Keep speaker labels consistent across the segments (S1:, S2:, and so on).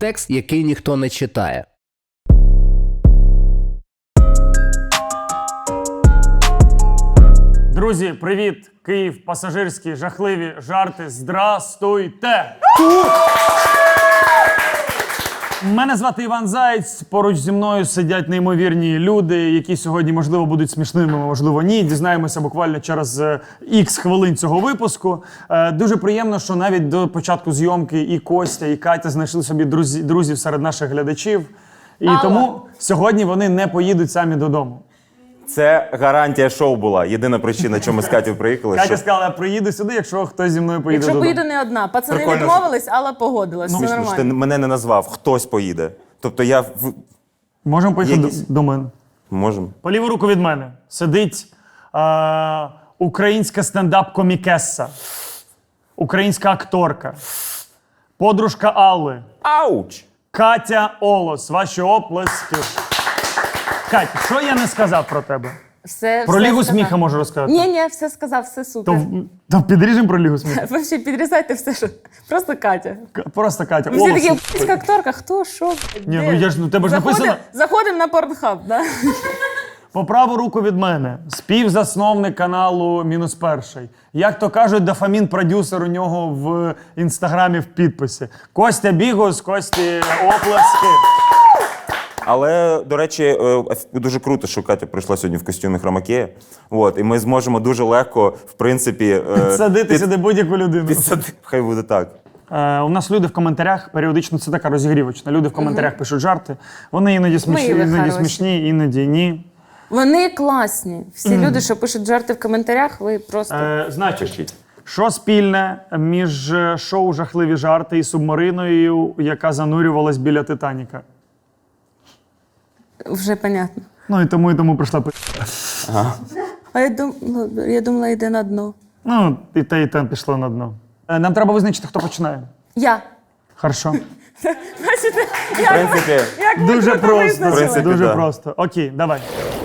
S1: текст, який ніхто не читає.
S2: Друзі, привіт! Київ, пасажирські, жахливі жарти. Здрастуйте! Мене звати Іван Заєць. Поруч зі мною сидять неймовірні люди, які сьогодні, можливо, будуть смішними, можливо, ні. Дізнаємося буквально через ікс хвилин цього випуску. Дуже приємно, що навіть до початку зйомки і Костя, і Катя знайшли собі друзів серед наших глядачів. І тому сьогодні вони не поїдуть самі додому.
S3: Це гарантія шоу була. Єдина причина, чому ми з Катю приїхали.
S2: Катя сказала, я приїду сюди, якщо хтось зі мною поїде
S4: Якщо
S2: додому.
S4: поїду не одна. Пацани
S3: Прикольно,
S4: відмовились, Алла погодилась. Все
S3: Смішно, що ти
S4: нормально.
S3: мене не назвав. Хтось поїде. Тобто я...
S2: Можемо поїхати
S3: Якісь?
S2: до мене.
S3: Можемо.
S2: По ліву руку від мене сидить українська стендап-комікеса, українська акторка, подружка Алли,
S3: Ауч!
S2: Катя Олос. Ваші оплески. Катя, що я не сказав про тебе? Про Лігу сміха можу розказати.
S4: Ні, все сказав, все супер.
S2: То підріжемо про Лігу сміха.
S4: Ви ще підрізайте все, що... Просто Катя.
S2: Просто Катя.
S4: Ви всі
S2: Олос.
S4: такі, українська акторка, хто, що?
S2: Ні,
S4: де?
S2: ну я ж, ну тебе ж написано.
S4: Заходимо на Pornhub, да?
S2: По праву руку від мене співзасновник каналу «Мінус перший». Як то кажуть, дофамін-продюсер у нього в інстаграмі в підписі. Костя Бігус, Кості оплески.
S3: Але, до речі, дуже круто, що Катя прийшла сьогодні в костюмі хромакея. От, і ми зможемо дуже легко, в принципі...
S2: Садити сюди будь-яку людину.
S3: Хай буде так.
S2: У нас люди в коментарях, періодично це така розігрівочна. Люди в коментарях пишуть жарти. Вони іноді смішні,
S4: Милі,
S2: іноді
S4: хороші.
S2: смішні, іноді ні.
S4: Вони класні. Всі люди, що пишуть жарти в коментарях, ви просто...
S2: Значить, що спільне між шоу «Жахливі жарти» і субмариною, яка занурювалась біля «Титаніка»?
S4: Вже понятно.
S2: Ну і тому прийшла
S4: А я думала, йде на дно.
S2: Ну, і те пішло на дно. Нам треба визначити, хто починає.
S4: Я.
S2: Хорошо.
S4: Бачите,
S3: В принципі,
S2: Дуже просто.
S3: В принципі,
S2: Дуже
S3: да.
S2: просто. Окей, давай.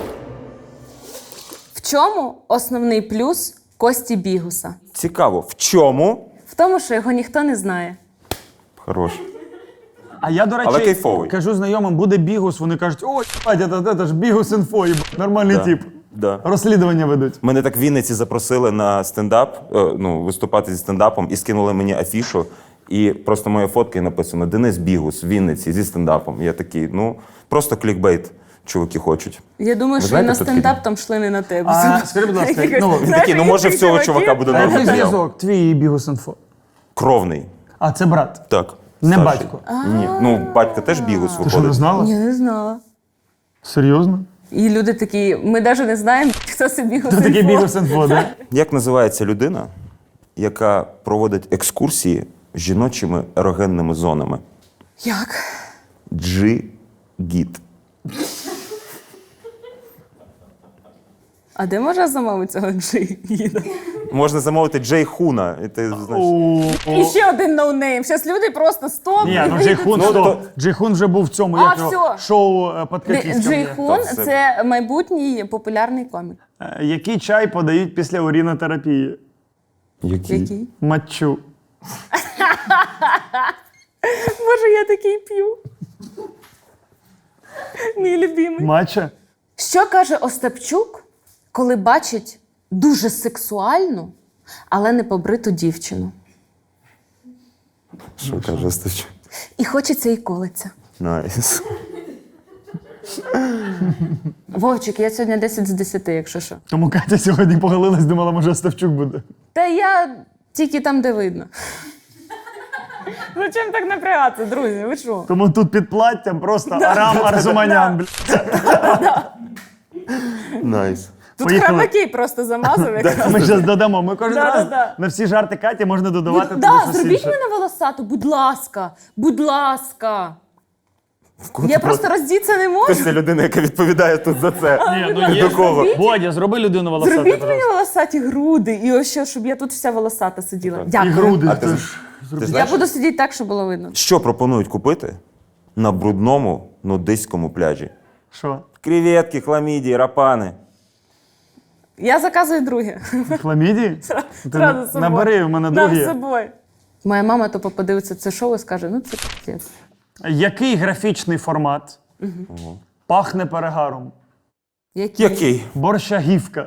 S4: в чому основний плюс Кості Бігуса?
S3: цікаво, в чому?
S4: В тому, що його ніхто не знає.
S3: Хорош.
S2: А я, до речі,
S3: Але кайфовий.
S2: кажу знайомим, буде Бігус, вони кажуть, ой, це ж Бігус інфо, нормальний
S3: Да.
S2: тип.
S3: Да.
S2: Розслідування ведуть.
S3: Мене так в Вінниці запросили на стендап, виступати зі стендапом, і скинули мені афішу. І просто моя фотка і написано «Денис Бігус в Вінниці зі стендапом». Я такий, просто клікбейт чуваки хочуть.
S4: Я думаю,
S3: Ви
S4: що і на
S3: знаєте, хто
S4: стендап там шли не на тебе.
S2: Скажи, будь ласка,
S4: Якось,
S2: ну,
S3: Він
S4: знаєш,
S3: такий, може в цього
S4: чуваки?
S3: чувака буде
S2: а який
S3: нормальний матеріал.
S2: зв'язок твій і Бігус інфо?
S3: Кровний.
S2: А, це брат.
S3: Так.
S2: Не
S3: старший.
S2: батько.
S3: Ні. Батько теж Бігус
S2: Ти що, не
S3: виходить.
S2: знала?
S4: Ні, не знала.
S2: Серйозно?
S4: І люди такі, ми навіть не знаємо, хто це Бігус
S2: Це такий
S4: інфо.
S2: Бігус інфо, да?
S3: Як називається людина, яка проводить екскурсії з жіночими ерогенними зонами?
S4: Як?
S3: Джи-гіт.
S4: А де можна замовити цього джигіда?
S3: Можна замовити Джей Хуна. І ти, знаєш,
S4: І ще один ноунейм. Зараз люди просто стоп.
S2: Ні, ну Джейхун, Джейхун вже був в цьому,
S4: А,
S2: як його,
S4: всьо.
S2: шоу «Під кокісками».
S4: Джейхун
S3: Так, це-
S4: – це майбутній популярний комік.
S2: Який чай подають після урінотерапії?
S4: Який?
S2: Матчу.
S4: Боже, я такий п'ю. Мій любимий.
S2: Матча?
S4: Що каже Остапчук, коли бачить дуже сексуальну, але не побриту дівчину?
S3: Що каже Стачу?
S4: І хочеться і колиться.
S3: Найс.
S4: Вовчик, я сьогодні 10 з 10, якщо що.
S2: Тому Катя сьогодні поголилась, думала, може Ставчук буде.
S4: Та я тільки там, де видно. Зачем так напрягатися, друзі? Ви що?
S2: Тому тут під платтям просто Арам Арзуманян. блядь.
S3: Найс.
S4: Тут
S2: Поїхали.
S4: хромакей просто замазав. якраз.
S2: Ми зараз додамо. Ми кожен раз
S4: Да.
S2: на всі жарти Каті можна додавати туди
S4: Да,
S2: щось
S4: зробіть
S2: інше.
S4: мене волосату, будь ласка. Будь ласка. Я просто роздіться не можу.
S3: Це людина, яка відповідає тут за це.
S2: Ні, ну є.
S3: До кого?
S2: Бодя, зроби людину волосату.
S4: Зробіть мені волосаті груди і ось що, щоб я тут вся волосата сиділа.
S2: І
S4: Дякую.
S2: груди.
S3: А ти,
S2: теж.
S3: ти
S4: Я
S3: знаєш,
S4: буду сидіти так, щоб було видно.
S3: що пропонують купити на брудному нудистському пляжі?
S2: Що?
S3: Креветки, хламідії, рапани.
S4: Я заказую друге.
S2: Хламідії? Ти
S4: Зразу з собою.
S2: набери, в мене
S4: Нам з
S2: другі.
S4: собою. Моя мама то подивиться це шоу і скаже, ну це піздець.
S2: Який графічний формат пахне перегаром?
S3: Який?
S2: Борщагівка.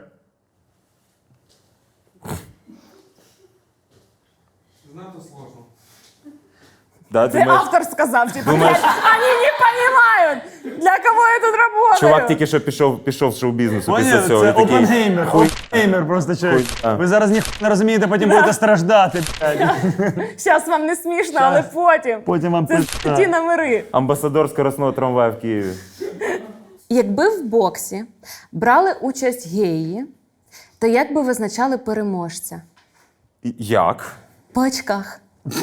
S3: Да,
S4: Це
S3: думаєш,
S4: автор сказав, типу,
S3: Думаєш-
S4: вони не розуміють, для кого я тут працюю.
S3: чувак тільки що пішов з шоу-бізнесу після
S2: Поняв?
S3: цього.
S2: Це
S3: і такий,
S2: опенгеймер. Опенгеймер просто чоловік.
S3: а.
S2: Ви зараз ніхто не розумієте, потім будете страждати. Блядь.
S4: Зараз вам не смішно, але потім.
S2: Потім вам
S4: Це
S2: пизда.
S4: ті номери.
S3: Амбасадор скоростного трамвая в Києві.
S4: Якби в боксі брали участь геї, то як би визначали переможця?
S3: Як?
S4: По очках.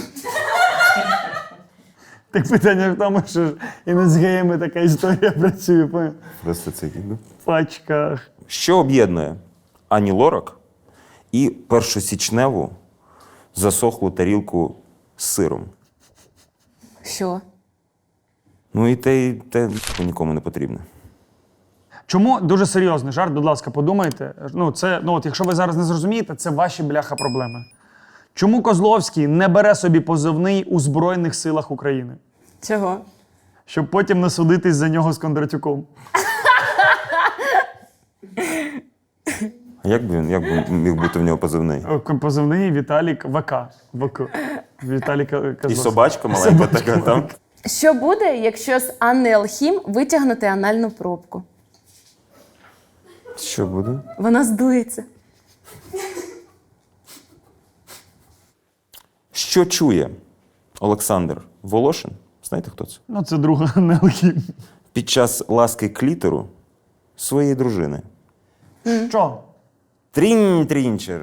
S2: Так питання в тому, що ж і не з геями така історія працює. Поняв?
S3: Просто це ну.
S2: В пачках.
S3: Що об'єднує Ані Лорак і першосічневу засохлу тарілку з сиром?
S4: Що?
S3: Ну і те нікому не потрібне.
S2: Чому дуже серйозний жарт, будь ласка, подумайте. От якщо ви зараз не зрозумієте, це ваші бляха проблеми. Чому Козловський не бере собі позивний у Збройних силах України?
S4: Чого?
S2: Щоб потім не судитись за нього з Кондратюком.
S3: А як би міг бути в нього позивний?
S2: Позивний Віталік ВК. ВК. Віталік
S3: І
S2: Козловський.
S3: собачка маленька така там.
S4: Що буде, якщо з Анни Елхім витягнути анальну пробку?
S3: Що буде?
S4: Вона здується.
S3: Що чує Олександр Волошин? Знаєте, хто це?
S2: Ну, це друга Нелхім.
S3: Під час ласки клітору своєї дружини.
S2: Що?
S3: Трінчер.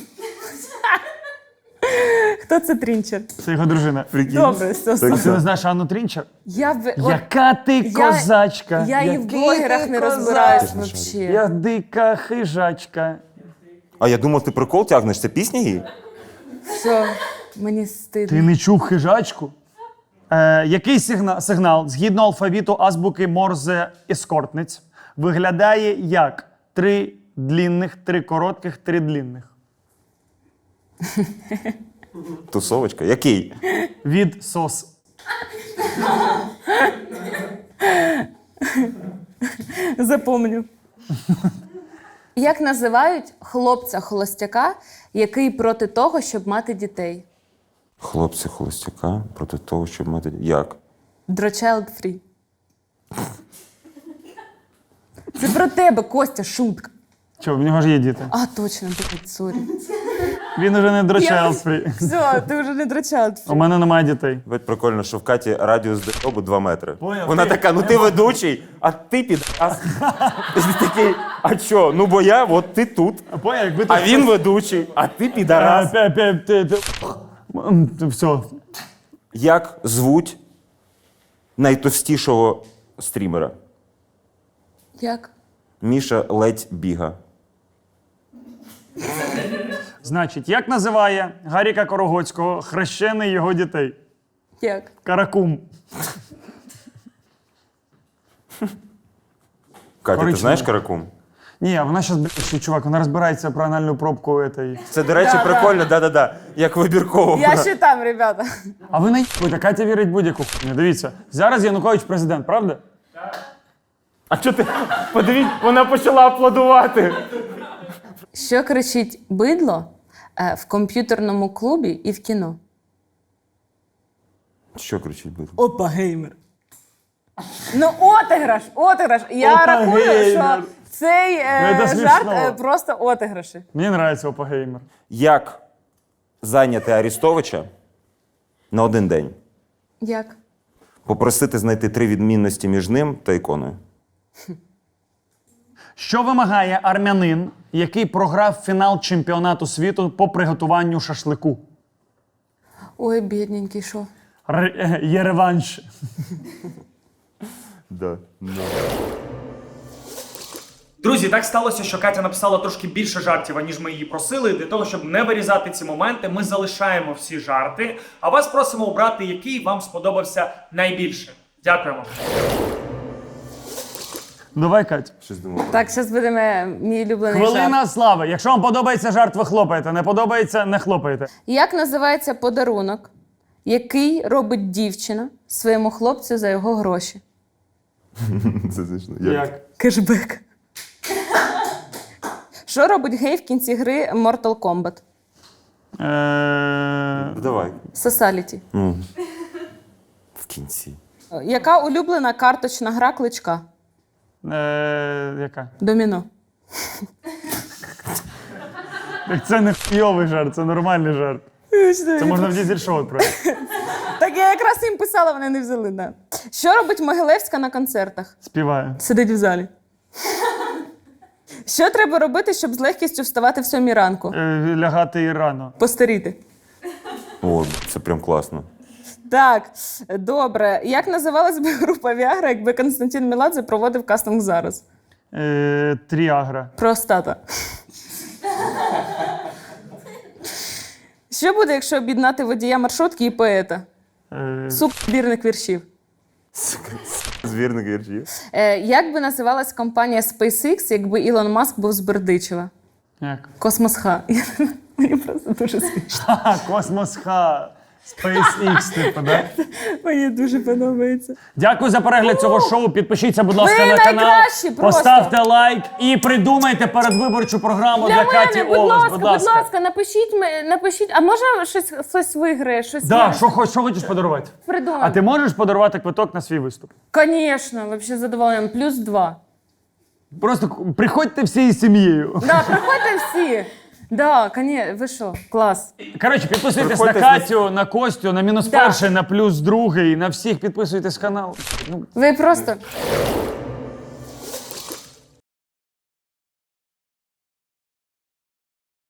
S4: Хто це Трінчер?
S2: Це його дружина.
S4: Добре, все.
S3: Так.
S2: А ти не знаєш Анну Трінчер?
S4: Я
S2: Яка ти козачка!
S4: Я і в
S2: Який
S4: блогерах
S2: ти
S4: не
S2: козак!
S4: розбираюсь
S3: Ти ж
S4: взагалі.
S2: Я дика хижачка.
S3: А я думав, ти прикол тягнеш. Це пісня її?
S4: Все, мені
S2: Ти
S4: стидно.
S2: не чув хижачку? Який сигнал згідно алфавіту азбуки Морзе ескортниць виглядає як 3 длінних, 3 коротких, 3 длінних?
S3: Тусовочка? Який?
S2: Від сос.
S4: Запомню. Як називають хлопця-холостяка, який проти того, щоб мати дітей?
S3: Хлопці холостяка проти того, щоб мати. Як?
S4: Child free. Це про тебе, Костя, шутка.
S2: Чого, в нього ж є діти.
S4: А, точно, блядь, сорі.
S2: Він уже не child free.
S4: Все, ти вже не Child free.
S2: У мене немає дітей.
S3: Ведь прикольно, що в Каті радіус дробу 2 метри.
S2: Поняв,
S3: Вона
S2: ти-
S3: така, ну ти ведучий, а ти підраз. Ти такий, а чо? Ну бо я, от ти тут.
S2: Поняв, якби
S3: А він ведучий, а ти підарас.
S2: Все.
S3: Як звуть найтовстішого стрімера?
S4: Як?
S3: Міша ледь біга.
S2: Значить, як називає Гаріка Корогоцького хрещений його дітей?
S4: Як?
S2: Каракум.
S3: Катя, ти
S2: Коричнево.
S3: знаєш каракум?
S2: Ні, вона зараз, чувак, вона розбирається про анальну пробку этой.
S3: Це, до речі, прикольно, да-да-да. Як вибірково.
S4: Я ще там, ребята.
S2: А ви наїбуєте, Катя вірить будь-яку хуйню. Дивіться, зараз Янукович президент, правда?
S3: А чого ти? Подивіть, вона почала аплодувати.
S4: Що кричить бидло в комп'ютерному клубі і в кіно?
S3: Що кричить бидло?
S4: Опа, геймер. Ну, отиграш. Я
S2: Опа,
S4: рахую,
S2: геймер.
S4: що цей
S2: це смішно.
S4: жарт просто отиграші.
S2: Мені подобається опагеймер.
S3: Як зайняти Арістовича на один день?
S4: Як?
S3: Попросити знайти 3 відмінності між ним та іконою.
S2: Що вимагає армянин, який програв фінал чемпіонату світу по приготуванню шашлику?
S4: Ой, бідненький, що?
S2: Є реванш.
S3: Да.
S5: Друзі, так сталося, що Катя написала трошки більше жартів, аніж ми її просили. Для того, щоб не вирізати ці моменти, ми залишаємо всі жарти, а вас просимо обрати, який вам сподобався найбільше. Дякуємо.
S2: Давай, Кать.
S3: Щось думав.
S4: Так, зараз буде мій улюблений жарт.
S2: Хвилина слави. Якщо вам подобається жарт, ви хлопаєте. Не подобається, не хлопаєте.
S4: Як називається подарунок, який робить дівчина своєму хлопцю за його гроші?
S3: Це смішно.
S2: Як?
S4: Кешбек. Що робить гей в кінці гри Mortal Kombat?
S3: Давай.
S4: Sociality.
S3: Ну, в кінці.
S4: Яка улюблена карточна гра Кличка?
S2: Яка?
S4: Доміно.
S2: Так це не хуйовий жарт, це нормальний жарт. Це можна в дізель-шоу про.
S4: Так я якраз їм писала, вони не взяли. Да. Що робить Могилевська на концертах?
S2: Співає.
S4: Сидить в залі. Що треба робити, щоб з легкістю вставати в 7 ранку?
S2: Лягати і рано.
S4: Постаріти.
S3: О, це прям класно.
S4: Так, добре. Як називалась би група Віагра, якби Константин Меладзе проводив кастинг зараз?
S2: Тріагра.
S4: Простата. Що буде, якщо об'єднати водія маршрутки і поета? Збірник віршів.
S3: Звірник віршів.
S4: Як би називалась компанія SpaceX, якби Ілон Маск був з Бердичева?
S2: Як?
S4: Космос-Х. Мені просто дуже смішно.
S2: Ха, Космос-Х. SpaceX, типу, да?
S4: Мені дуже подобається.
S2: Дякую за перегляд цього шоу. Підпишіться, будь ласка,
S4: Ви
S2: на канал.
S4: найкращі просто.
S2: Поставте лайк і придумайте передвиборчу програму для Каті
S4: мене,
S2: Олес.
S4: будь ласка, напишіть. А може хтось виграє? Щось
S2: Да,
S4: я
S2: що хочеш подарувати?
S4: придумаю.
S2: А ти можеш подарувати квиток на свій виступ?
S4: Звісно, взагалі задоволенням. +2.
S2: Просто приходьте всією сім'єю.
S4: Да, приходьте всі. Да, ви що? Клас.
S2: Коротше, підписуйтесь
S3: Приходьте
S2: на Катю, на Костю, на мінус
S4: Да.
S2: перший, на плюс другий, на всіх підписуйтесь канал.
S4: Ви просто